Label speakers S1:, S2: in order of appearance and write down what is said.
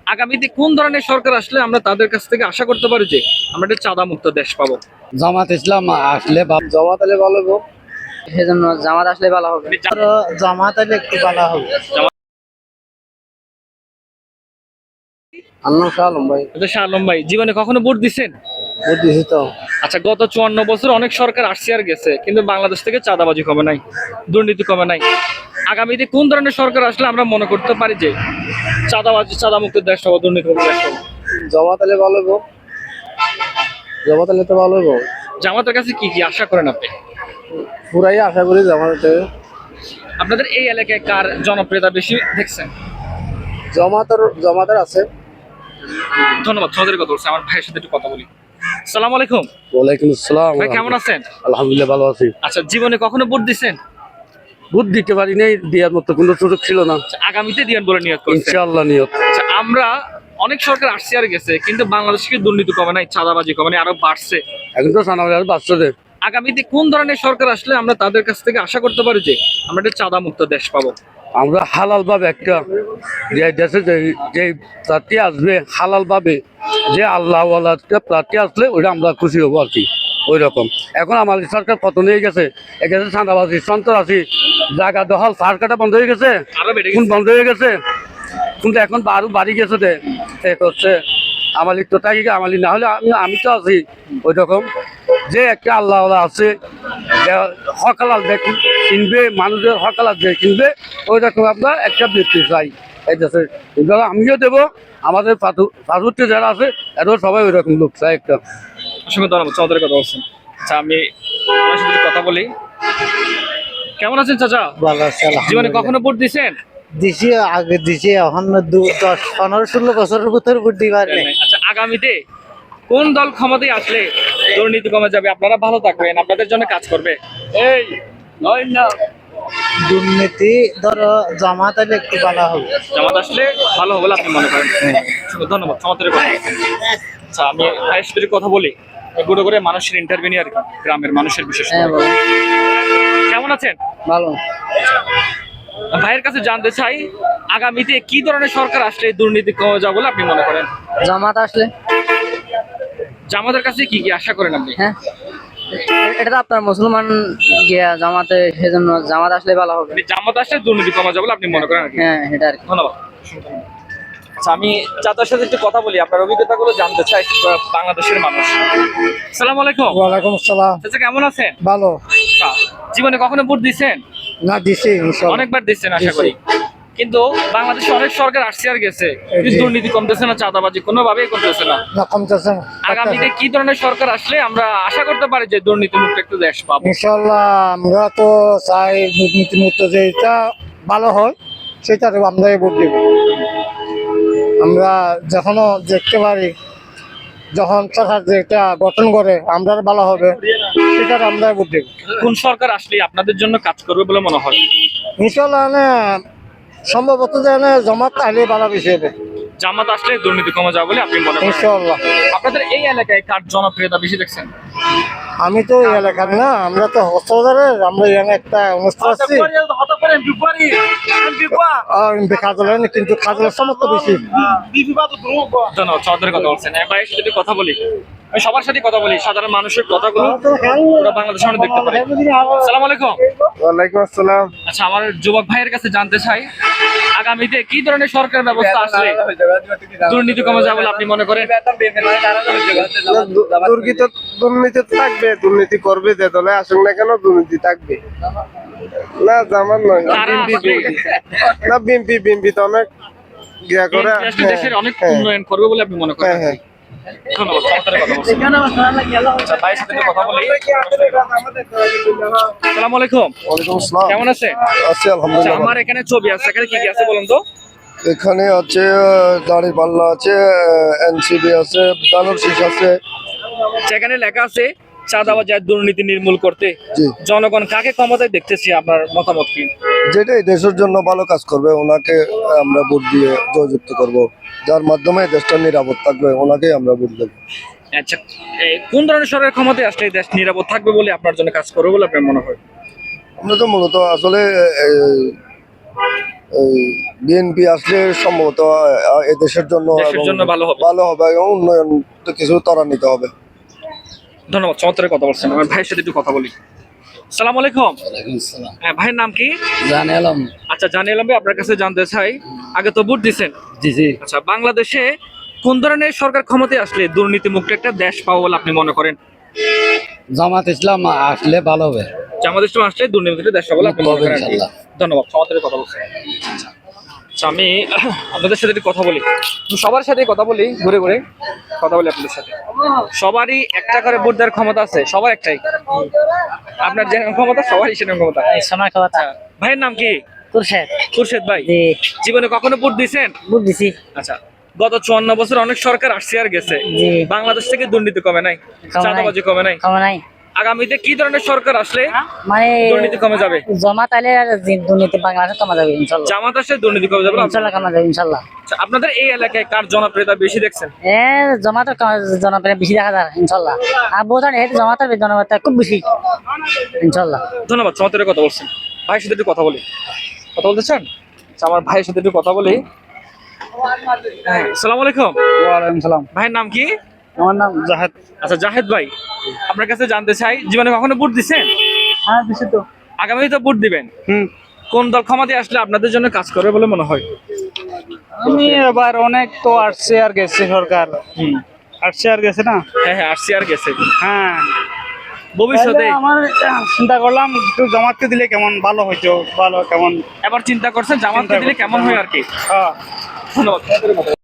S1: আগামীতে কোন ধরনের সরকার আসলে আমরা তাদের কাছ থেকে আশা করতে পারি যে আমরা একটা চাঁদা মুক্ত দেশ পাবো?
S2: জামাত ইসলাম আসলে জামাত আলে ভালো হবে।
S3: সেজন্য জামাত আসলে ভালো হবে।
S2: জামাত আলে একটু ভালো হবে। শাহ আলম ভাই।
S1: শাহ আলম ভাই, জীবনে কখনো ভোট দিচ্ছেন?
S2: ভোট দিয়েছি তো।
S1: আচ্ছা, গত 54 বছর অনেক সরকার আসছে আর গেছে, কিন্তু বাংলাদেশ থেকে চাঁদাবাজি কমে নাই, দুর্নীতি কমে নাই। আগামীতে কোন ধরনের সরকার আসলে আমরা মনে করতে পারি যে চাঁদা মুক্ত দেশ পাবো, দুর্নীতি মুক্ত দেশ পাবো?
S2: জামাত আলে ভালো হবে। জামাত আলে তো ভালো হবে।
S1: জামাতের কাছে কি কি আশা করেন আপনি?
S2: পুরাই আশা করি জামাত।
S1: আপনাদের এই এলাকায় কার জনপ্রিয়তা বেশি দেখছেন?
S2: জমাতের আছে।
S1: ধন্যবাদ। সদের কথা বলছি, আমার ভাইয়ের সাথে একটু কথা বলি। আসসালামু আলাইকুম।
S2: ওয়ালাইকুম আসসালাম।
S1: ভাই কেমন আছেন?
S2: আলহামদুলিল্লাহ ভালো আছি।
S1: আচ্ছা, জীবনে কখনো ভোট দিচ্ছেন?
S2: ভোট দিতে পারি নাই, দেওয়ার মতো কোনো সুযোগ ছিল না।
S1: আগামীতে দিবেন বলে নিয়ত করছেন?
S2: ইনশাআল্লাহ নিয়ত।
S1: আচ্ছা, আমরা অনেক সরকার আসছে আর গেছে, কিন্তু বাংলাদেশ থেকে দুর্নীতি কমে নাই, চাঁদাবাজি কমে নাই, আরো বাড়ছে।
S2: এখন তো সানা বাচ্চাদের।
S1: আগামীতে কোন ধরনের সরকার আসলে আমরা তাদের কাছ থেকে আশা করতে পারি যে আমরা একটা চাঁদা মুক্ত দেশ পাবো?
S2: আমরা হালাল ভাবে একটা যে দেশে যে প্রার্থী আসবে হালাল ভাবে, যে আল্লাহ প্রার্থী আসলে ওইটা আমরা খুশি হবো আর কি। ওই রকম এখন আমাদের সরকার কত নিয়ে গেছে, এখানে চাঁদাবাজি সন্ত্রাসী জায়গা দখল সার কাটা বন্ধ হয়ে গেছে,
S1: আরো বেড়ে
S2: কোন
S1: গেছে।
S2: বন্ধ হয়ে গেছে, কিন্তু এখন আরো বাড়ি গেছে হচ্ছে আমালিক তো তাই আমালি না হলে আমি তো আছি। ওই রকম যে একটা আল্লাহ আছে, হকালাল যে কিনবে, মানুষের হকালাল যে কিনবে, ওই রকম আমরা একটা ব্যক্তি চাই এই দেশে। আমিও দেবো, আমাদের পাথরটি যারা আছে এরাও সবাই ওই রকম লোক চাই একটা।
S1: অসংখ্য ধন্যবাদ। চাঁদের কথা বলছেন। আচ্ছা, আমি আপনার সাথে একটু কথা বলি। কেমন আছেন চাচা?
S2: ভালো আছে।
S1: জীবনে কখনো ভোট দিচ্ছেন?
S2: দিছি, আগে দিছি, এখন 10-15-16 বছরের ভিতরে ভোট দিবার নেই।
S1: আচ্ছা, আগামীতে কোন দল ক্ষমতায় আসলে দুর্নীতি কমে যাবে, আপনারা ভালো থাকবেন, আপনাদের জন্য কাজ করবে? এই নয় না,
S2: দুর্নীতি ধরো জামাত আলে একটু ভালো হবে।
S1: জামাত আসলে ভালো হবে বলে আপনি মনে করেন? ধন্যবাদ। চমৎকার কথা। আচ্ছা, আমি ভাইয়ের সাথে কথা বলি, গুঁড়ো করে মানুষের ইন্টারভিউ আর কি, গ্রামের মানুষের বিশেষ করে। কেমন আছেন?
S3: ভালো।
S1: ভাইয়ের কাছে জানতে চাই, আগামীতে কি ধরনের সরকার আসলে দুর্নীতি কমে যাবে বলে আপনি মনে করেন?
S3: জামাত আসলে।
S1: জামাতের কাছে কি কি আশা করেন আপনি?
S3: হ্যাঁ, এটা তো আপনার মুসলমান গিয়া জামাতে, সেজন্য জামাত আসলে ভালো হবে।
S1: জামাত আসলে দুর্নীতি কমে যাবে বলে আপনি মনে করেন আর কি?
S3: হ্যাঁ, এটা আর কি।
S1: ধন্যবাদ। আচ্ছা, আমি চাচার সাথে একটু কথা বলি, আপনার অভিজ্ঞতাগুলো জানতে চাই। বাংলাদেশের মানুষ। আসসালামু আলাইকুম।
S2: ওয়ালাইকুম আসসালাম।
S1: চাচা কেমন আছেন?
S2: ভালো।
S1: আচ্ছা, জীবনে কখনো ভোট দিচ্ছেন?
S2: না দিছি,
S1: অনেকবার দিচ্ছেন আশা করি, কিন্তু বাংলাদেশে অনেক সরকার আসছে আর গেছে, কিন্তু দুর্নীতি কমতেছে না, চাঁদাবাজি কোনোভাবেই কমতেছে না।
S2: কমতেছে না।
S1: আগামীতে কি ধরনের সরকার আসলে আমরা আশা করতে পারি যে দুর্নীতি মুক্ত একটা দেশ পাবো?
S2: ইনশাল্লাহ আমরা তো চাই দুর্নীতি মুক্ত যেটা ভালো হয় সেটা আমরা ভোট দিব। আমরা যখনও দেখতে পারি যখন সরকার যেটা গঠন করে আমরা ভালো হবে সেটা আমরা ভোট দিব।
S1: কোন সরকার আসলে আপনাদের জন্য কাজ করবে বলে মনে হয়?
S2: ইনশাল্লাহ সম্ভবত জমাত আইলে ভালো বেশি হবে।
S1: জামাত আসলে দুর্নীতি কমে যাবে বলে আপনি মনে করেন?
S2: ইনশাল্লাহ।
S1: আপনাদের এই এলাকায় কার জনপ্রিয়তা বেশি দেখছেন?
S2: আমি তো এই এলাকার না, আমরা তো হস্তবাজারের, আমরা এখানে একটা অনুষ্ঠান আসছি কিন্তু খাজলের সমস্ত বেশি।
S1: ধন্যবাদ। চৌধুরীর কথা বলছেন। ভাইয়ের সাথে একটু কথা বলি, আমি সবার সাথে কথা বলি, সাধারণ মানুষের কথাগুলো পুরো বাংলাদেশের সামনে দেখতে পারি। আসসালামু আলাইকুম।
S2: ওয়ালাইকুম আসসালাম।
S1: আচ্ছা, আমার যুবক ভাইয়ের কাছে জানতে চাই, আগামীতে কি ধরনের সরকার ব্যবস্থা আসলে দুর্নীতি কমে যাবে বলে আপনি মনে করেন?
S4: দুর্নীতি থাকবে, দুর্নীতি করবে যে দলে আসুক না কেন দুর্নীতি থাকবে। না জামান নয়, না বিএনপি তো অনেক ইয়া করে,
S1: দেশের অনেক উন্নয়ন করবে বলে আপনি মনে করেন?
S4: হ্যাঁ।
S1: ধন্যবাদ। চমৎকার কথা বলছেন। আচ্ছা, ভাইয়ের সাথে একটু কথা বলি। আসসালামু আলাইকুম।
S4: ওয়ালাইকুম আসসালাম।
S1: কেমন আছেন?
S4: আছি
S1: আচ্ছা,
S4: আলহামদুলিল্লাহ।
S1: আমার এখানে ছবি আছে, এখানে কি কি আছে বলুন তো?
S4: এখানে আছে দাঁড়িপাল্লা আছে, এনসিবি আছে, দানোর শীষ আছে।
S1: সেখানে লেখা আছে চাঁদাবাজি আর দুর্নীতি নির্মূল করতে
S4: জি।
S1: জনগণ কাকে ক্ষমতায় দেখতেছি, আপনার মতামত কি?
S4: যেটাই দেশের জন্য ভালো কাজ করবে ওনাকে আমরা ভোট দিয়ে জয়যুক্ত করব। যার মাধ্যমে দেশটা নিরাপদ থাকবে ওনাকেই আমরা ভোট দেবো।
S1: আচ্ছা, কোন ধরনের সরকার ক্ষমতায় আসলে এই দেশ নিরাপদ থাকবে বলে আপনার জন্য কাজ করবে বলে আপনার মনে হয়?
S4: আমরা তো মূলত আসলে
S5: বিএনপি আসলে সম্ভবত এদেশের জন্য
S1: দেশের
S5: এবং
S1: জন্য ভালো হবে।
S5: ভালো হবে এবং উন্নয়ন তো কিছু ত্বরান্বিত হবে।
S1: ধন্যবাদ, চমৎকার কথা বলছেন। আমার ভাইয়ের সাথে একটু কথা বলি। সালাম আলাইকুম। হ্যাঁ, ভাইয়ের নাম কি?
S2: জানে এলাম।
S1: আচ্ছা, জানিয়ে এলাম ভাই, আপনার কাছে জানতে চাই, আগে তো ভোট দিছেন।
S2: জি জি।
S1: আচ্ছা, বাংলাদেশে কোন ধরনের সরকার ক্ষমতায় আসলে দুর্নীতি মুক্ত একটা দেশ পাবো বলে আপনি মনে করেন?
S2: জামাত ইসলাম আসলে ভালো হবে।
S1: জামাত ইসলাম আসলে দুর্নীতি মুক্ত দেশ পাবো বলে আপনি মনে
S2: হবে
S1: করেন আর কি।
S2: ইনশাল্লাহ।
S1: ধন্যবাদ, চমৎকার কথা বলছেন। আচ্ছা, আমি আপনাদের সাথে একটু কথা বলি, সবার সাথে কথা বলি, ঘুরে ঘুরে কথা বলি আপনাদের সাথে। সবারই একটা করে ভোট দেওয়ার ক্ষমতা আছে, সবার একটাই। আপনার যেরকম ক্ষমতা সবারই সেরকম ক্ষমতা।
S3: সময় কথা
S1: ভাইয়ের নাম কি?
S3: কুরশেদ।
S1: খুরশেদ ভাই,
S3: জি,
S1: জীবনে কখনো ভোট দিয়েছেন?
S3: বুঝছি।
S1: আচ্ছা, গত 54 বছর অনেক সরকার আসছে আর গেছে,
S3: জি।
S1: বাংলাদেশ থেকে দুর্নীতি কমে নাই,
S3: নাই।
S1: চাঁদাবাজি কমে নাই।
S3: কমে নাই
S1: আগামীতে কি ধরনের সরকার আসলে
S3: মানে
S1: দুর্নীতি কমে যাবে?
S3: জমাত আইলে আর দুর্নীতি বাংলাদেশে কমা যাবে ইনশাল্লাহ।
S1: জামাত আসলে দুর্নীতি কমে যাবে?
S3: ইনশাল্লাহ কমা যাবে ইনশাল্লাহ।
S1: আচ্ছা, আপনাদের এই এলাকায় কার জনপ্রিয়তা বেশি দেখছেন?
S3: জমাতের জনপ্রিয় বেশি দেখা যায় ইনশাল্লাহ। আর বোঝান জমাতের জনপ্রিয়তা খুব বেশি ইনশাল্লাহ।
S1: ধন্যবাদ, চমৎকার কথা বলছেন। ভাইয়ের সাথে একটু কথা বলি, কথা বলতে চান? আচ্ছা, আমার ভাইয়ের সাথে একটু কথা বলি। হ্যাঁ, আসসালামু আলাইকুম।
S2: ওয়ালাইকুম সালাম।
S1: ভাইয়ের নাম কি?
S2: আমার নাম জাহেদ।
S1: আচ্ছা, জাহেদ ভাই, আপনার কাছে জানতে চাই, জীবনে কখনো ভোট দিছেন?
S2: হ্যাঁ দিছি তো।
S1: আগামী তো ভোট দিবেন,
S2: হুম।
S1: কোন দল ক্ষমতায় আসলে আপনাদের জন্য কাজ করবে বলে মনে হয়?
S2: আমি এবার অনেক তো আসছে আর গেছে সরকার, আসছে আর গেছে না।
S1: হ্যাঁ হ্যাঁ, আসছি আর গেছে।
S2: হ্যাঁ,
S1: ভবিষ্যতে
S2: তাহলে আমার চিন্তা করলাম একটু জামাতকে দিলে কেমন ভালো হইতো, ভালো কেমন।
S1: এবার চিন্তা করছেন জামাতকে দিলে কেমন হয় আর কি।
S2: হ্যাঁ।
S1: ধন্যবাদ।